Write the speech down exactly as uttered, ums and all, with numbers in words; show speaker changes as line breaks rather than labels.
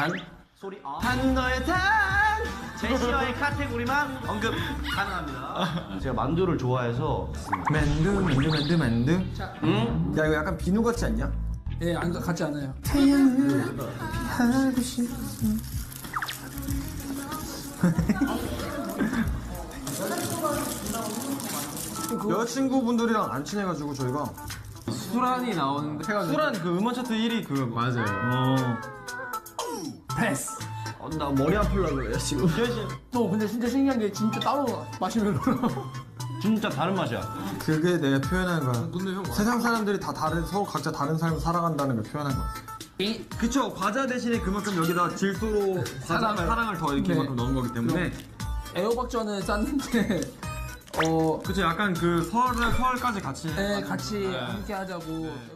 단 소리 어. 단 너의 단 제시어의 카테고리만 언급 가능합니다. 제가 만두를 좋아해서
만두 만두 만두 만두.
응?
야 이거 약간 비누 같지 않냐?
예, 안 같지 않아요.
태양을 하고 싶어. 여자친구분들이랑 안 친해가지고 저희가
수란이 나오는데
수란 그 음원 차트 일 위 그
맞아요.
어.
패스.
어, 나 머리 아플라 그래 지금.
또 근데 진짜 신기한 게 진짜 따로 마시멜로로.
진짜 다른 맛이야.
그게 내가 표현한 거야.
근데 형
세상 사람들이 다 다른 서로 각자 다른 삶을 살아간다는 걸 표현한 거야. 그쵸. 과자 대신에 그만큼 여기다 질소로 과자
사랑을.
사랑을 더 이렇게
네.
만큼 넣은 거기 때문에.
애호박전을 쌌는데 어,
그쵸. 약간 그 설을 설까지 같이.
예, 같이 함께 하자고.